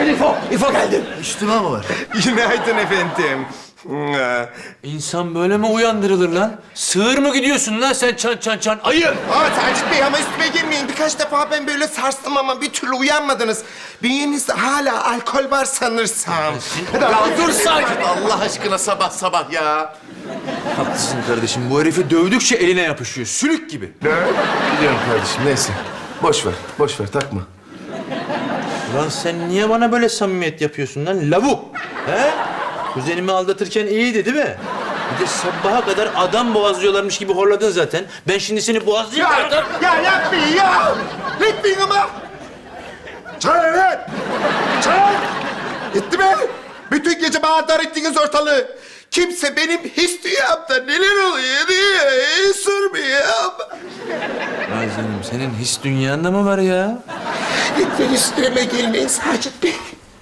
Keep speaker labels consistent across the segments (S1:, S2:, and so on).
S1: İfo geldi.
S2: Üstüme mi var?
S3: Günaydın efendim.
S1: İnsan böyle mi uyandırılır lan? Sığır mı gidiyorsun lan sen çan? Ayı!
S3: Sacit Bey ama üstüme girmeyin. Birkaç defa ben böyle sarstım ama bir türlü uyanmadınız. Bünyenizde hala alkol var sanırsam.
S2: Ya dur Sacit Allah aşkına sabah ya.
S1: Haklısın kardeşim. Bu herifi dövdükçe eline yapışıyor. Sülük gibi.
S2: Biliyorum kardeşim neyse. Boş ver takma.
S1: Lan sen niye bana böyle samimiyet yapıyorsun lan? Lavuk! He? Kuzenimi aldatırken iyiydi değil mi? Bir de sabaha kadar adam boğazlıyorlarmış gibi horladın zaten. Ben şimdi seni boğazlayayım.
S3: Ya yapmayın ya! Etmeyin ama! Çay evet! Çay! Etti mi? Bütün gece bağırdar ettiniz ortalığı. Kimse benim his dünyamda neler oluyor diye sormuyor.
S1: Ay canım senin his dünyanda mı var ya?
S3: Lütfen üstüme gelmeyin Sacit Bey.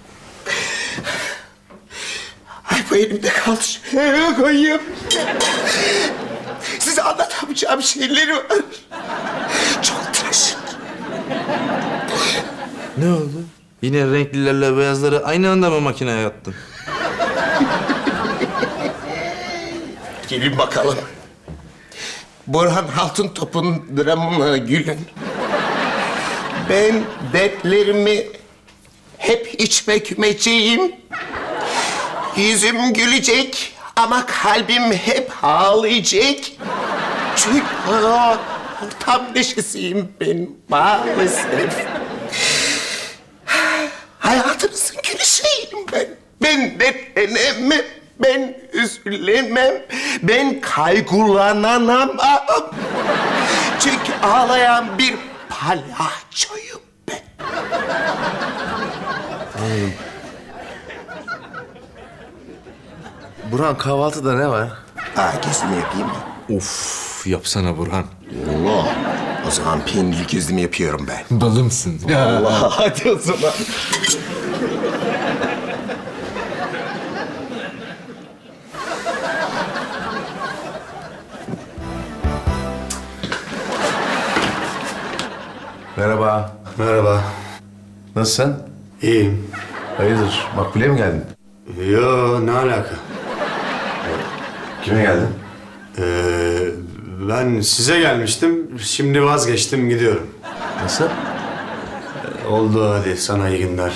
S3: Ay bu elimde kaldı. Şuraya koyayım. Size anlatamayacağım şeyler var. Çok trajik.
S1: Ne oldu? Yine renklilerle beyazları aynı anda mı makineye attın?
S3: Gelin bakalım. Burhan Altıntop'un dramına gülün. Ben dertlerimi hep içime kümeceğim. Yüzüm gülecek ama kalbim hep ağlayacak. Çünkü tam neşesiyim ben maalesef. Hayatınızın gülüşeyim ben. Ben dertlenemem, ben üzülemem, ben kaygılanamam. Çünkü ağlayan bir palyaçoyum ben.
S2: Burhan kahvaltıda ne var?
S3: Gezimi yapayım mı?
S1: Of yapsana Burhan.
S3: Allah. O zaman peynirli gezimi yapıyorum ben.
S1: Balımsın.
S3: Allah hadi o zaman.
S2: Merhaba.
S4: Merhaba.
S2: Nasılsın?
S4: İyiyim.
S2: Hayırdır? Makbule mi geldin?
S4: Yo, ne alaka?
S2: Kime geldin?
S4: Ben size gelmiştim. Şimdi vazgeçtim, gidiyorum.
S2: Nasıl?
S4: Oldu hadi, sana iyi günler.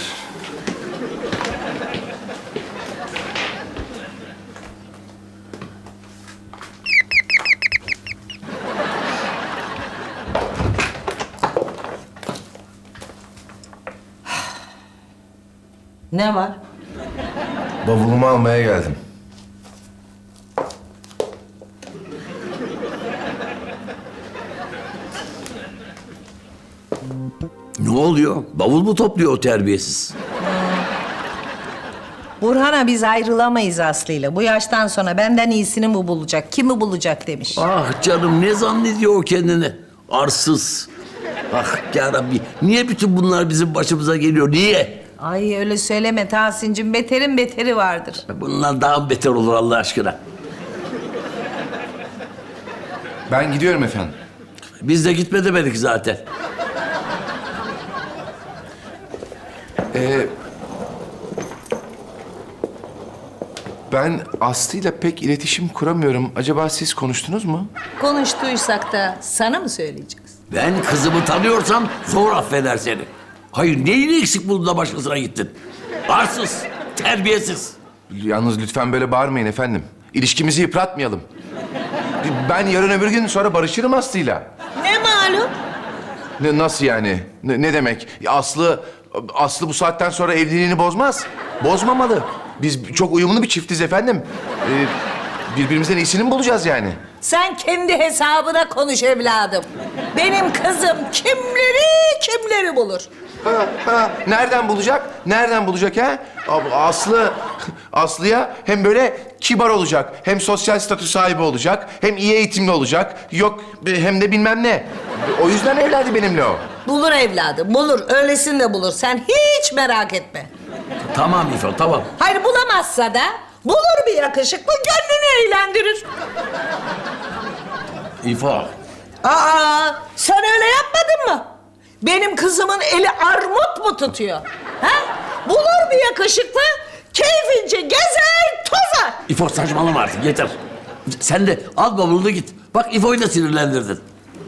S5: Ne var?
S2: Bavulumu almaya geldim.
S6: Ne oluyor? Bavul mu topluyor o terbiyesiz?
S5: Burhan'a biz ayrılamayız Aslı'yla. Bu yaştan sonra benden iyisini mi bulacak, kimi bulacak demiş.
S6: Ah canım ne zannediyor o kendini? Arsız. Ah yarabbi. Niye bütün bunlar bizim başımıza geliyor? Niye?
S5: Ay öyle söyleme Tahsin'cim. Beterin beteri vardır.
S6: Bunlar daha beter olur Allah aşkına.
S2: Ben gidiyorum efendim.
S6: Biz de gitme demedik zaten.
S2: Ben Aslı'yla pek iletişim kuramıyorum. Acaba siz konuştunuz mu?
S5: Konuştuysak da sana mı söyleyeceğiz?
S6: Ben kızımı tanıyorsam zor affeder seni. Hayır neyini eksik buldun da başkasına gittin? Arsız, terbiyesiz.
S2: Yalnız lütfen böyle bağırmayın efendim. İlişkimizi yıpratmayalım. Ben yarın öbür gün sonra barışırım Aslı'yla.
S5: Ne malum?
S2: Nasıl yani? Ne demek? Aslı bu saatten sonra evliliğini bozmaz. Bozmamalı. Biz çok uyumlu bir çiftiz efendim. Birbirimizden iyisini mi bulacağız yani?
S5: Sen kendi hesabına konuş evladım. Benim kızım kimleri bulur.
S2: Nereden bulacak? Nereden bulacak ha? Aslı'ya hem böyle kibar olacak, hem sosyal statü sahibi olacak, hem iyi eğitimli olacak. Yok hem de bilmem ne. O yüzden evlendi benimle o.
S5: Bulur evladım, bulur. Öylesini de bulur. Sen hiç merak etme.
S6: Tamam İfo tamam.
S5: Hayır bulamazsa da bulur bir yakışıklı, gönlünü eğlendirir.
S6: İfo.
S5: Aa, sen öyle yapmadın mı? Benim kızımın eli armut mu tutuyor? Ha? Bulur bir yakışıklı, keyfince gezer, tozar.
S6: İfo saçmalama artık yeter. Sen de al bavulunu git. Bak İfo'yu da sinirlendirdin.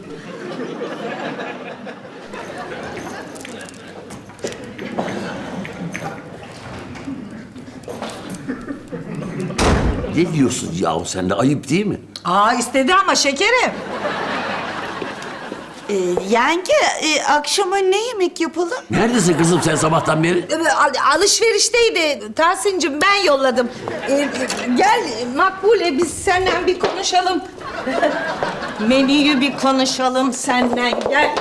S6: Ne diyorsun yahu sen de ayıp değil mi?
S5: Aa istedi ama şekerim.
S7: Yenge, akşama ne yemek yapalım?
S6: Neredesin kızım sen sabahtan beri?
S5: Alışverişteydi Tahsin'cim, ben yolladım. Gel Makbule, biz seninle bir konuşalım. Menüyü bir konuşalım seninle, gel.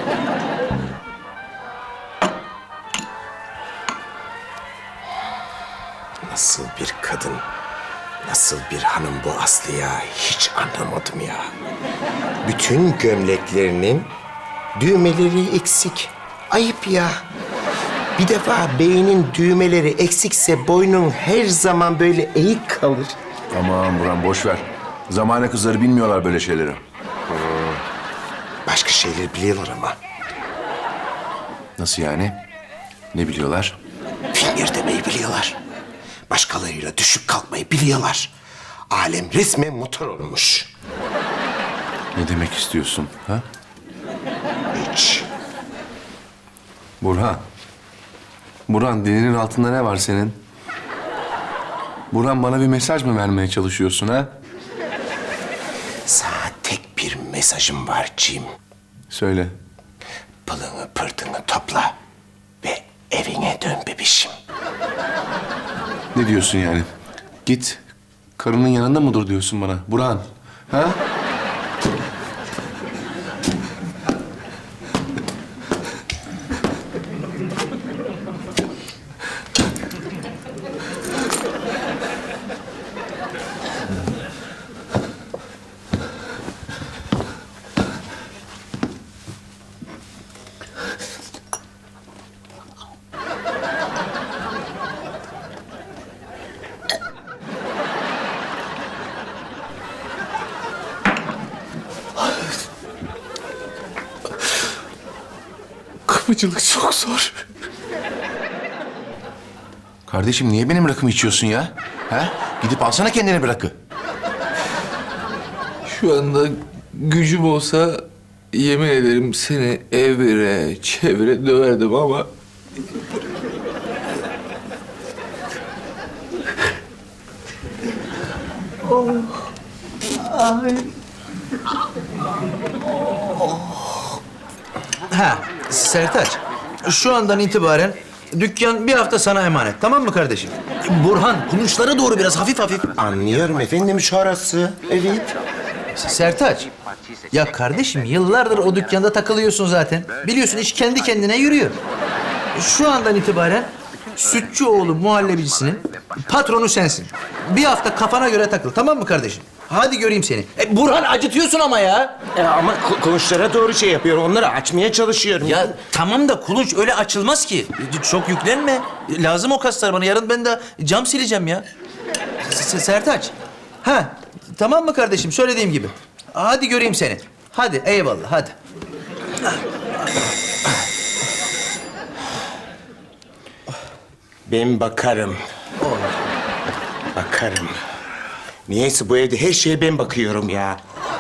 S3: Nasıl bir kadın, nasıl bir hanım bu Aslı ya? Hiç anlamadım ya. Bütün gömleklerinin düğmeleri eksik. Ayıp ya. Bir defa beynin düğmeleri eksikse boynun her zaman böyle eğik kalır.
S2: Aman Burhan boş ver. Zamane kızları bilmiyorlar böyle şeyleri.
S3: Başka şeyler biliyorlar ama.
S2: Nasıl yani? Ne biliyorlar?
S3: Finger demeyi biliyorlar. Başkalarıyla düşüp kalkmayı biliyorlar. Alem resmen motor olmuş.
S2: Ne demek istiyorsun? Ha?
S3: Hiç.
S2: Burhan. Burhan dilinin altında ne var senin? Burhan bana bir mesaj mı vermeye çalışıyorsun ha?
S3: Sana tek bir mesajım var Cim.
S2: Söyle.
S3: Pılını pırtını topla ve evine dön bebişim.
S2: Ne diyorsun yani? Git. Karının yanında mı dur diyorsun bana? Burhan. Ha? Kapıcılık çok zor. Kardeşim niye benim rakımı içiyorsun ya? Ha? Gidip alsana kendine bir rakı.
S8: Şu anda gücüm olsa yemin ederim seni evire çevire döverdim ama...
S1: Ha, Sertaç. Şu andan itibaren dükkan bir hafta sana emanet. Tamam mı kardeşim? Burhan, kulunçlara doğru biraz hafif hafif.
S3: Anlıyorum efendim şarası. Evet.
S1: Sertaç. Ya kardeşim yıllardır o dükkanda takılıyorsun zaten. Biliyorsun iş kendi kendine yürüyor. Şu andan itibaren Sütçüoğlu muhallebicisinin patronu sensin. Bir hafta kafana göre takıl, tamam mı kardeşim? Hadi göreyim seni. Burhan acıtıyorsun ama ya.
S3: Ama kulunçlara doğru şey yapıyorum. Onları açmaya çalışıyorum.
S1: Ya tamam da kulunç öyle açılmaz ki. Çok yüklenme. Lazım o kaslar bana. Yarın ben de cam sileceğim ya. Sertaç. Ha, tamam mı kardeşim? Söylediğim gibi. Hadi göreyim seni. Hadi eyvallah hadi.
S3: Ben bakarım. Bakarım. Niyeyse bu evde her şeye ben bakıyorum ya.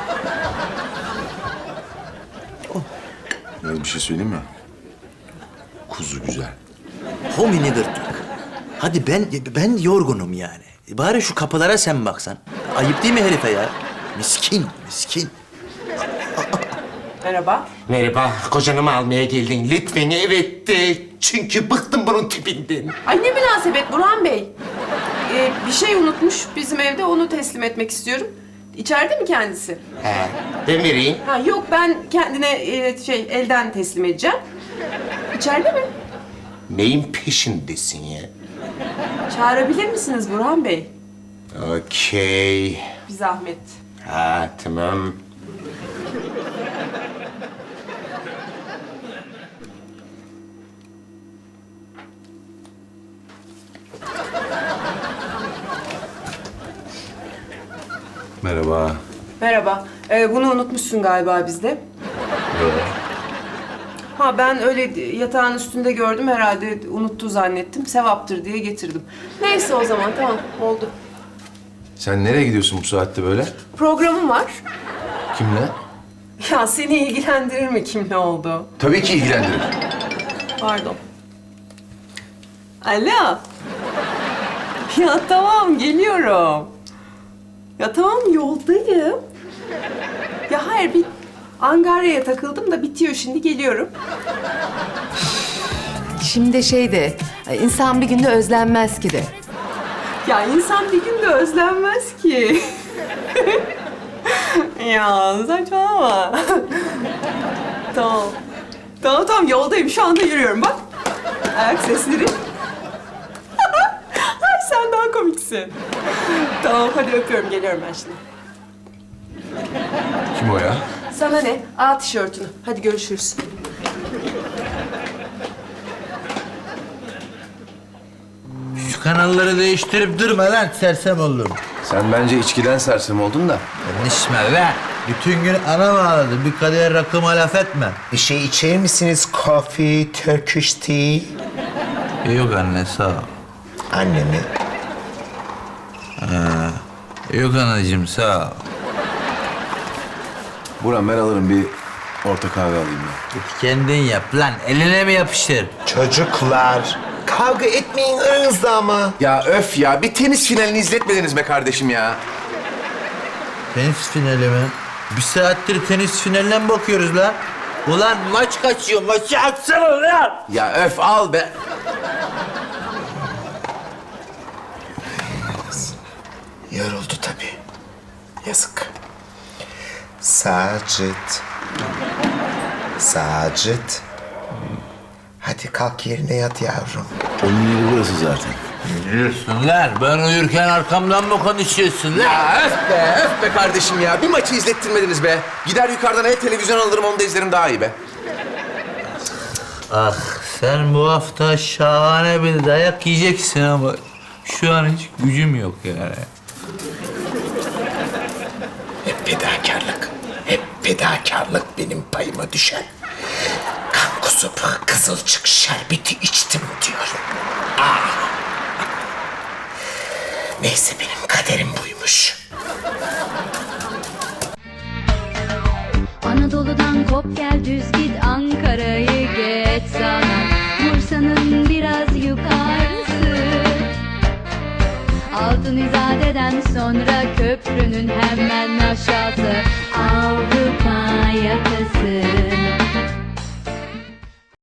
S2: Ya bir şey söyleyeyim mi? Kuzu güzel.
S1: Homini gırtlak. Hadi ben yorgunum yani. Bari şu kapılara sen baksan. Ayıp değil mi herife ya? Miskin, miskin.
S9: Merhaba.
S3: Merhaba, kocanımı almaya geldin. Lütfen evet de. Çünkü bıktım bunun tipinden.
S9: Ay ne münasebet Burhan Bey. Bir şey unutmuş bizim evde, onu teslim etmek istiyorum. İçeride mi kendisi?
S3: He, ben vereyim.
S9: Ha yok, ben kendine elden teslim edeceğim. İçeride mi?
S3: Neyin peşindesin ya?
S9: Çağırabilir misiniz Burhan Bey?
S3: Okey.
S9: Bir zahmet.
S3: Ha, tamam.
S2: Merhaba.
S9: Merhaba. Bunu unutmuşsun galiba bizde. Ha ben öyle yatağın üstünde gördüm herhalde unuttu zannettim. Sevaptır diye getirdim. Neyse o zaman tamam oldu.
S2: Sen nereye gidiyorsun bu saatte böyle?
S9: Programım var.
S2: Kimle?
S9: Ya seni ilgilendirir mi kim ne oldu?
S2: Tabii ki ilgilendirir.
S9: Pardon. Alo. Ya tamam geliyorum. Ya tamam yoldayım. Ya hayır bir Angarya'ya takıldım da bitiyor şimdi geliyorum.
S10: Şimdi insan bir günde özlenmez ki de.
S9: Ya insan bir günde özlenmez ki. Ya saçmalama. Tamam. Tamam yoldayım şu anda yürüyorum bak. Ayak sesleri. Ay sen daha komiksin. Tamam hadi öpüyorum geliyorum ben şimdi.
S2: Kim o ya?
S9: Sana ne? Al tişörtünü. Hadi görüşürüz.
S1: Şu kanalları değiştirip durma lan sersem oldum.
S2: Sen bence içkiden sersem oldun da.
S1: Konuşma be. Bütün gün ana bağladı. Bir kadeh rakıma laf etme.
S3: Bir şey içer misiniz? Coffee, Turkish tea.
S1: Yok anne sağ ol.
S3: Anne mi?
S1: Yok anacığım sağ ol.
S2: Burhan ben alırım bir orta kahve alayım ben.
S1: Git kendin yap lan. Eline mi yapıştır?
S3: Çocuklar, kavga etmeyin aranızda ama.
S2: Ya öf ya bir tenis finalini izletmediniz be kardeşim ya.
S1: Tenis finali mi? Bir saattir tenis finaline mi bakıyoruz lan? Ulan maç kaçıyor. Maçı aksana lan.
S2: Ya öf al be.
S3: Yoruldu tabii. Yazık. Sacit. Sacit. Hadi kalk yerine yat yavrum.
S6: Onun yeri burası zaten.
S1: Biliyorsun lan. Ben uyurken arkamdan mı konuşuyorsun lan?
S2: Ya öf be kardeşim ya. Bir maçı izlettirmediniz be. Gider yukarıdan televizyon alırım onu da izlerim daha iyi be.
S1: Ah sen bu hafta şahane bir dayak yiyeceksin ama şu an hiç gücüm yok yani.
S3: Hep fedakarlık. Hep fedakarlık benim payıma düşen. Kan kusup kızılcık şerbeti içtim diyorum. Ah. Neyse benim kaderim buymuş.
S11: Anadolu'dan kop gel düz git Ankara'yı geç sana Bursa'nın biraz yukarısı Altın İzade'den sonra köprünün hemen aşağısı